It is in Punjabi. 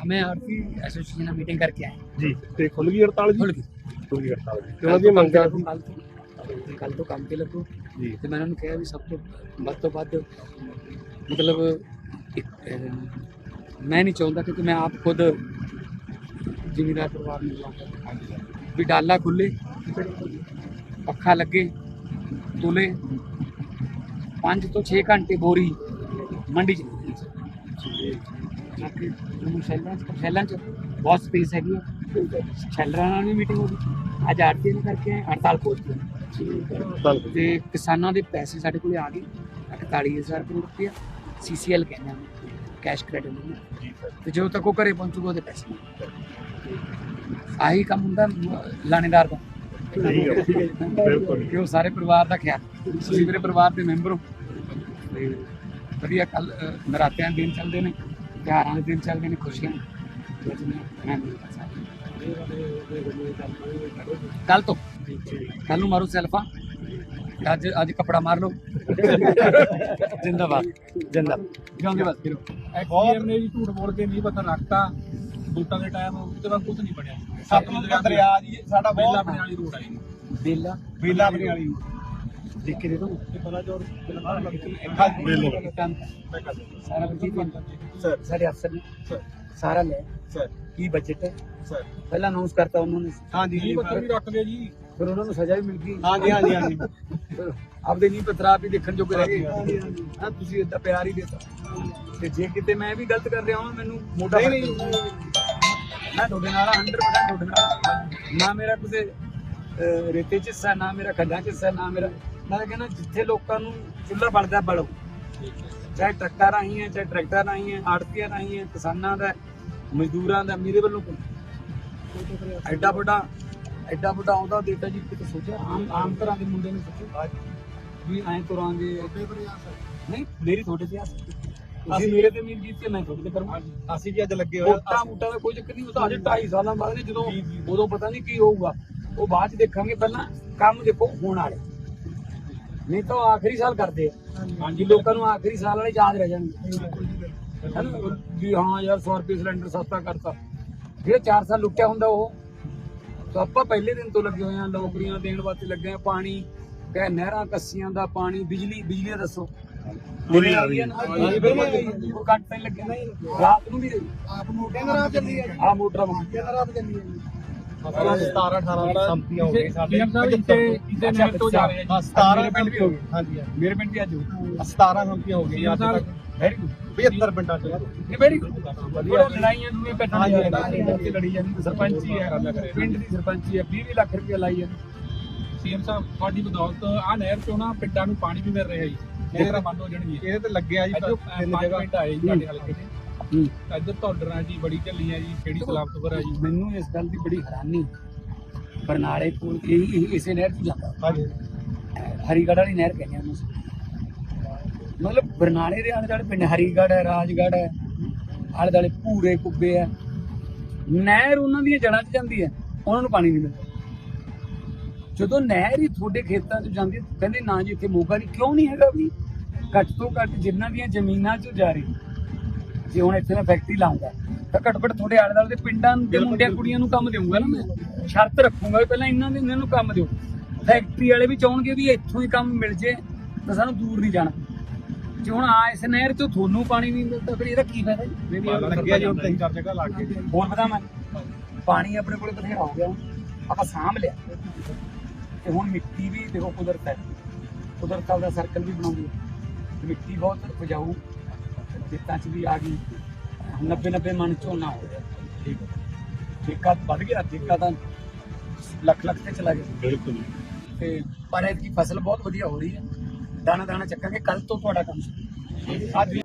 मैं आरती एसोसिएशन में मीटिंग करके आए जी ते खुल गई हड़ताल जी खुल गई खुल गई हड़ताल जी ਤੇ ਉਹਨਾਂ ਦੀਆਂ ਮੰਗਾਂ ਸੀ कल तो काम पे लगो ਜੀ तो मैंने उन्हें कहा भी सब तो ਵੱਧ मतलब मैं नहीं चाहता क्योंकि मैं आप खुद जिमीदार परिवार में लाऊंगा भी डाला खुले पखा लगे तुले 5 ਤੋਂ 6 घंटे बोरी मंडी शैलों च बहुत स्पेस हैगी शैलर भी मीटिंग हो गई अज आरती ने करके आए हड़ताल खोलती ਤੇ ਕਿਸਾਨਾਂ ਦੇ ਪੈਸੇ ਸਾਡੇ ਕੋਲੇ ਆ ਗਏ 41,000 ਕਰੋੜ ਰੁਪਇਆ CCL ਕਹਿੰਦੇ ਆ ਕੈਸ਼ ਕ੍ਰੈਡਿਟ ਨੂੰ ਤੇ ਜਦੋਂ ਤੱਕ ਉਹ ਘਰੇ ਪਹੁੰਚੂਗਾ ਉਹਦੇ ਪੈਸੇ ਆਹੀ ਕੰਮ ਹੁੰਦਾ ਲਾਣੇਦਾਰ ਦਾ ਕਿ ਉਹ ਸਾਰੇ ਪਰਿਵਾਰ ਦਾ ਖਿਆਲ ਤੁਸੀਂ ਮੇਰੇ ਪਰਿਵਾਰ ਦੇ ਮੈਂਬਰ ਹੋ ਤੇ ਵਧੀਆ ਕੱਲ ਨਰਾਤਿਆਂ ਦੇ ਦਿਨ ਚੱਲਦੇ ਨੇ ਤਿਉਹਾਰਾਂ ਦੇ ਦਿਨ ਚੱਲਦੇ ਨੇ ਖੁਸ਼ੀਆਂ ਕੱਲ ਤੋਂ ਕੱਲ ਨੂੰ ਮਾਰੋ ਸੈਲਫਾ ਅੱਜ ਕਪੜਾ ਮਾਰ ਲਓ ਜਿੰਦਾਬਾਦ ਜਿਉਂਦੇ ਬਸ ਫਿਰੋ ਐਕਸੀਐਮ ਨੇ ਜੀ ਝੂਠ ਬੋਲ ਕੇ ਨਹੀਂ ਪਤਾ ਰੱਖਤਾ ਵੋਟਾਂ ਦੇ ਟਾਈਮ ਉਹਦੇ ਬਾਅਦ ਕੁਝ ਨਹੀਂ ਬਣਿਆ ਸਤਲੁਜ ਦਾ ਦਰਿਆ ਜੀ ਸਾਡਾ ਬੇਲਾ ਬਹੁਤ ਬਣੇ ਵਾਲੀ ਰੋਡ ਆਈ ਬੇਲਾ ਬਣੇ ਵਾਲੀ ਦੇਖ ਕੇ ਦੇ ਦੋ ਬੜਾ ਜ਼ੋਰ ਸਾਰਾ ਬਜਟ ਸਰ ਸਾਡੇ ਅਫਸਰ ਨੇ ਸਾਰਾ ਲੈ ਸਰ ਕੀ ਬਜਟ ਹੈ ਸਰ ਪਹਿਲਾਂ ਅਨਾਉਂਸ ਕਰਤਾ ਉਹਨਾਂ ਨੇ ਹਾਂਜੀ ਜੀ ਨਹੀਂ ਪਤਾ ਵੀ ਰੱਖ ਗਏ ਜੀ ਫਿਰ ਉਹਨਾਂ ਨੂੰ ਸਜ਼ਾ ਵੀ ਮਿਲ ਗਈ ਹਾਂਜੀ ਹਾਂਜੀ ਹਾਂਜੀ ਫਿਰ ਆਪਦੇ ਨਹੀਂ ਪਤਰਾ ਵੀ ਦੇਖਣ ਜੋਗੇ ਰਹਿ ਗਏ ਹਾਂ ਤੁਸੀਂ ਏਦਾਂ ਪਿਆਰ ਹੀ ਦੇਤਾ ਤੇ ਜੇ ਕਿਤੇ ਮੈਂ ਵੀ ਗਲਤ ਕਰ ਰਿਹਾ ਹਾਂ ਮੈਨੂੰ ਮੋਢਾ ਨਹੀਂ ਮੈਂ ਤੁਹਾਡੇ ਨਾਲ 100% ਤੁਹਾਡੇ ਨਾਲ ਨਾ ਮੇਰਾ ਕਿਸੇ ਰੇਤੇ ਚ ਹਿੱਸਾ ਨਾ ਮੇਰਾ ਖੱਡਾਂ ਚ ਹਿੱਸਾ ਨਾ ਮੇਰਾ ਮੈਂ ਕਹਿੰਦਾ ਜਿੱਥੇ ਲੋਕਾਂ ਨੂੰ ਚੁੱਲ੍ਹਾ ਬਲਦਾ ਬਲੋ ਚਾਹੇ ਟਰੱਕਾਂ ਰਾਹੀਂ ਹੈ ਚਾਹੇ ਟਰੈਕਟਰ ਰਾਹੀਂ ਹੈ ਆੜਤੀਆਂ ਰਾਹੀਂ ਹੈ ਕਿਸਾਨਾਂ ਦਾ ਮਜ਼ਦੂਰਾਂ ਦਾ ਮੇਰੇ ਵੱਲੋਂ ਐਡਾ ਵੱਡਾ ਆਉਂਦਾ ਦੇਤਾ ਜੀ ਕਿਤੇ ਸੋਚਿਆ ਆਮ ਤਰ੍ਹਾਂ ਦੇ ਮੁੰਡੇ ਨੇ ਸੋਚਿਆ ਵੀ ਐਂ ਤੁਰਾਂਗੇ ਨਹੀਂ ਮੇਰੀ ਤੁਹਾਡੇ ਤੇ ਅਸੀਂ ਮੇਰੇ ਤੇ ਉਮੀਦ ਕੀਤੀ ਮੈਂ ਤੁਹਾਡੇ ਤੇ ਕਰੂੰਗਾ ਅਸੀਂ ਵੀ ਅੱਜ ਲੱਗੇ ਹੋਏ ਮੋਟਾ ਦਾ ਕੋਈ ਚੱਕਰ ਨਹੀਂ ਉਹ ਤਾਂ ਅਜੇ 2.5 ਸਾਲਾਂ ਬਾਅਦ ਨੇ ਜਦੋਂ ਉਦੋਂ ਪਤਾ ਨਹੀਂ ਕੀ ਹੋਊਗਾ ਉਹ ਬਾਅਦ ਚ ਦੇਖਾਂਗੇ ਪਹਿਲਾਂ ਕੰਮ ਦੇਖੋ ਹੋਣ ਵਾਲੇ ਨਹੀਂ ਤਾਂ ਆਖਰੀ ਸਾਲ ਕਰਦੇ ਆ ਹਾਂਜੀ ਲੋਕਾਂ ਨੂੰ ਆਖਰੀ ਸਾਲ ਵਾਲੇ ਯਾਦ ਰਹਿ ਜਾਣਗੇ ਵੀ ਹਾਂ ਯਾਰ 100 ਰੁਪਏ ਸਿਲੰਡਰ ਸਸਤਾ ਕਰਤਾ ਜਿਹੜੇ 4 ਸਾਲ ਲੁੱਟਿਆ ਹੁੰਦਾ ਉਹ ਤਾਂ ਆਪਾਂ ਪਹਿਲੇ ਦਿਨ ਤੋਂ ਲੱਗੇ ਹੋਏ ਆ ਨੌਕਰੀਆਂ ਦੇਣ ਵਾਸਤੇ ਲੱਗੇ ਆ ਪਾਣੀ ਕਹੇ ਨਹਿਰਾਂ ਕੱਸੀਆਂ ਦਾ ਪਾਣੀ ਬਿਜਲੀ ਦਾ ਦੱਸੋ ਪੂਰੀ ਆ ਰਹੀ ਹੈ ਕੋਈ ਕੱਟ ਨਹੀਂ ਲੱਗਿਆ ਰਾਤ ਨੂੰ ਵੀ ਆਪ ਮੋਟਰ ਰਾਤ ਚੱਲੀ ਹੈ ਆ ਮੋਟਰਾਂ ਰਾਤ ਚੱਲੀ ਹੈ 17-18 ਸੰਪਤੀਆਂ ਹੋ ਗਈਆਂ ਸਾਡੇ ਇਸੇ ਨਹਿਰ ਤੋਂ ਜਾ ਰਹੇ ਹਾਂ 17 ਪਿੰਡ ਵੀ ਹੋ ਗਏ ਹਾਂਜੀ ਮੇਰੇ ਪਿੰਡ ਵੀ ਅੱਜ 17 ਸੰਪਤੀਆਂ ਹੋ ਗਈਆਂ ਅੱਜ ਤੱਕ ਵੈਰੀ ਗੁੱਡ 72 ਪਿੰਡਾਂ ਚ ਇਹ ਵੈਰੀ ਗੁੱਡ ਵਧੀਆ ਲੜਾਈਆਂ ਨੂੰ ਪੈਟਾਂ ਦੀ ਲੜੀ ਜਾਂਦੀ ਸਰਪੰਚੀ ਹੈ ਪਿੰਡ ਦੀ ਸਰਪੰਚੀ ਹੈ 20 ਲੱਖ ਰੁਪਏ ਲਾਈ ਹੈ ਸੀਐਮ ਸਾਹਿਬ ਤੁਹਾਡੀ ਬਦੌਲਤ ਆ ਨਹਿਰ ਚੋਂ ਨਾ ਪਿੰਡਾਂ ਨੂੰ ਪਾਣੀ ਵੀ ਮਿਲ ਰਿਹਾ ਜੀ ਨਹਿਰਾਂ ਬੰਦ ਹੋ ਜਾਣਗੀਆਂ ਇਹਦੇ ਤੇ ਲੱਗਿਆ ਜੀ ਤਿੰਨ 5 ਜਗ੍ਹਾ ਪਿੰਡ ਆਏ ਜੀ ਸਾਡੇ ਹਲਕੇ ਦੇ ਇੱਧਰ ਧੌਡਰਾਂ ਜੀ ਬੜੀ ਢੱਲੀ ਹੈ ਜੀ ਖੇੜੀ ਸਲਾਮਤਪੁਰ ਹੈ ਜੀ ਮੈਨੂੰ ਇਸ ਗੱਲ ਦੀ ਬੜੀ ਹੈਰਾਨੀ ਬਰਨਾਲੇ ਕੋਲ ਇਸੇ ਨਹਿਰ ਤੋਂ ਜਾਂਦਾ ਹਾਂਜੀ ਹਰੀਗੜ੍ਹ ਵਾਲੀ ਨਹਿਰ ਕਹਿੰਦੇ ਉਹਨੂੰ ਮਤਲਬ ਬਰਨਾਲੇ ਦੇ ਆਲੇ ਦੁਆਲੇ ਪਿੰਡ ਹਰੀਗੜ੍ਹ ਹੈ ਰਾਜਗੜ੍ਹ ਹੈ ਆਲੇ ਦੁਆਲੇ ਭੂਰੇ ਕੁੱਬੇ ਹੈ ਨਹਿਰ ਉਹਨਾਂ ਦੀਆਂ ਜੜ੍ਹਾਂ 'ਚ ਜਾਂਦੀ ਹੈ ਉਹਨਾਂ ਨੂੰ ਪਾਣੀ ਨਹੀਂ ਮਿਲਦਾ ਜਦੋਂ ਨਹਿਰ ਹੀ ਤੁਹਾਡੇ ਖੇਤਾਂ 'ਚ ਜਾਂਦੀ ਕਹਿੰਦੇ ਨਾ ਜੀ ਇੱਥੇ ਮੋਗਾ ਨਹੀਂ ਕਿਉਂ ਨਹੀਂ ਹੈਗਾ ਵੀ ਘੱਟ ਤੋਂ ਘੱਟ ਜਿਨ੍ਹਾਂ ਦੀਆਂ ਜ਼ਮੀਨਾਂ 'ਚ ਜਾ ਰਹੀ ਜੇ ਹੁਣ ਇੱਥੇ ਮੈਂ ਫੈਕਟਰੀ ਲਾਉਂਗਾ ਤਾਂ ਘੱਟੋ ਘੱਟ ਤੁਹਾਡੇ ਆਲੇ ਦੁਆਲੇ ਦੇ ਪਿੰਡਾਂ ਦੇ ਮੁੰਡਿਆਂ ਕੁੜੀਆਂ ਨੂੰ ਕੰਮ ਦੇਵਾਂਗਾ ਨਾ ਮੈਂ ਸ਼ਰਤ ਰੱਖੂੰਗਾ ਵੀ ਪਹਿਲਾਂ ਇਹਨਾਂ ਨੂੰ ਕੰਮ ਦਿਓ ਫੈਕਟਰੀ ਵਾਲੇ ਵੀ ਚਾਹਣਗੇ ਵੀ ਇੱਥੋਂ ਹੀ ਕੰਮ ਮਿਲ ਜੇ ਤਾਂ ਸਾਨੂੰ ਦੂਰ ਨਹੀਂ ਜਾਣਾ ਜੇ ਹੁਣ ਆ ਇਸ ਨਹਿਰ ਚੋਂ ਤੁਹਾਨੂੰ ਪਾਣੀ ਨਹੀਂ ਮਿਲਦਾ ਫਿਰ ਇਹਦਾ ਕੀ ਫਾਇਦਾ ਜੀ ਲੱਗਿਆ ਜੀ ਹੁਣ 3-4 ਜਗ੍ਹਾ ਲੱਗ ਗਏ ਹੋਰ ਪਤਾ ਮੈਂ ਪਾਣੀ ਆਪਣੇ ਕੋਲੇ ਬਥੇਰਾ ਹੋ ਗਿਆ ਆਪਾਂ ਸਾਂਭ ਲਿਆ ਤੇ ਹੁਣ ਮਿੱਟੀ ਵੀ ਦੇਖੋ ਕੁਦਰਤ ਹੈ ਕੁਦਰਤ ਦਾ ਸਰਕਲ ਵੀ ਬਣਾਉਂਦੀ ਹੈ ਮਿੱਟੀ ਬਹੁਤ ਉਪਜਾਊ ਖੇਤਾਂ 'ਚ ਵੀ ਆ ਗਈ 90 ਮਣ ਝੋਨਾ ਹੋ ਗਿਆ ਠੇਕਾ ਵੱਧ ਗਿਆ ਠੇਕਾ ਤਾਂ ਲੱਖ ਤੇ ਚਲਾ ਗਿਆ ਬਿਲਕੁਲ ਤੇ ਪਰ ਇਹਦੀ ਫਸਲ ਬਹੁਤ ਵਧੀਆ ਹੋ ਰਹੀ ਹੈ ਦਾਣਾ ਚੱਕਾਂਗੇ ਕੱਲ ਤੋਂ ਤੁਹਾਡਾ ਕੰਮ ਅੱਜ